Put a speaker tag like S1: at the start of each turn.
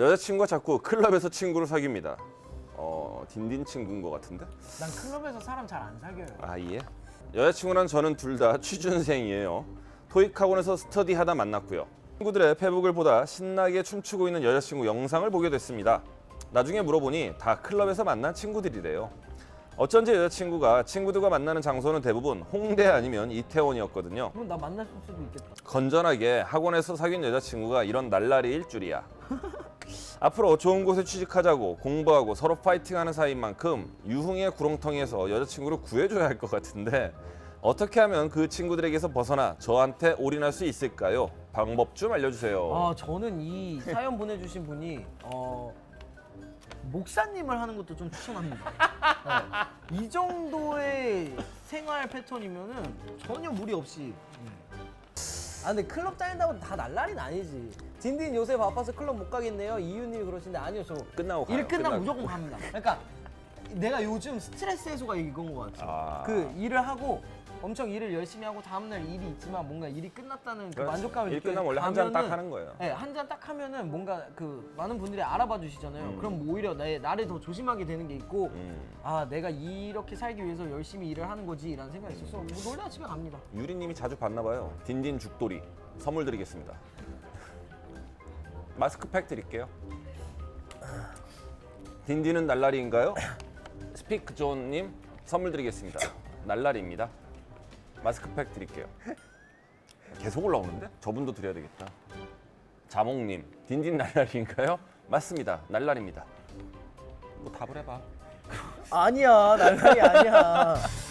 S1: 여자친구가 자꾸 클럽에서 친구를 사귀입니다. 딘딘 친구인 것 같은데?
S2: 난 클럽에서 사람 잘 안 사귀어요.
S1: 아 예? 여자친구랑 저는 둘 다 취준생이에요. 토익 학원에서 스터디하다 만났고요. 친구들의 페북을 보다 신나게 춤추고 있는 여자친구 영상을 보게 됐습니다. 나중에 물어보니 다 클럽에서 만난 친구들이래요. 어쩐지 여자친구가 친구들과 만나는 장소는 대부분 홍대 아니면 이태원이었거든요.
S2: 그럼 나 만날 수도 있겠다.
S1: 건전하게 학원에서 사귄 여자친구가 이런 날라리일 줄이야. 앞으로 좋은 곳에 취직하자고 공부하고 서로 파이팅하는 사이인 만큼 유흥의 구렁텅이에서 여자친구를 구해줘야 할 것 같은데 어떻게 하면 그 친구들에게서 벗어나 저한테 올인할 수 있을까요? 방법 좀 알려주세요.
S2: 저는 이 사연 보내주신 분이 목사님을 하는 것도 좀 추천합니다. 이 정도의 생활 패턴이면은 전혀 무리 없이. 근데 클럽 다닌다고 다 날라리는 아니지. 딘딘 요새 바빠서 클럽 못 가겠네요. 이유님이 그러시는데 아니요, 저
S1: 끝나고 가요.
S2: 일 끝나면 무조건 갑니다. 그러니까 내가 요즘 스트레스 해소가 이건 것 같아요. 그 일을 하고 엄청 일을 열심히 하고 다음날 일이 있지만 뭔가 일이 끝났다는 그 만족감을
S1: 일
S2: 느껴요.
S1: 끝나면 원래 한 잔 딱 하는 거예요.
S2: 네, 한 잔 딱 하면은 뭔가 그 많은 분들이 알아봐 주시잖아요. 그럼 오히려 나를 더 조심하게 되는 게 있고 내가 이렇게 살기 위해서 열심히 일을 하는 거지 라는 생각이 있어서 뭐 놀다가 집에 갑니다.
S1: 유리님이 자주 봤나 봐요. 딘딘 죽돌이 선물 드리겠습니다. 마스크팩 드릴게요. 딘딘은 날라리인가요? 스피크존님 선물 드리겠습니다. 날라리입니다. 마스크팩 드릴게요. 계속 올라오는데? 저분도 드려야 되겠다. 자몽님 딘딘 날라리인가요? 맞습니다. 날라리입니다. 뭐 답을 해봐.
S2: 아니야, 날라리 아니야.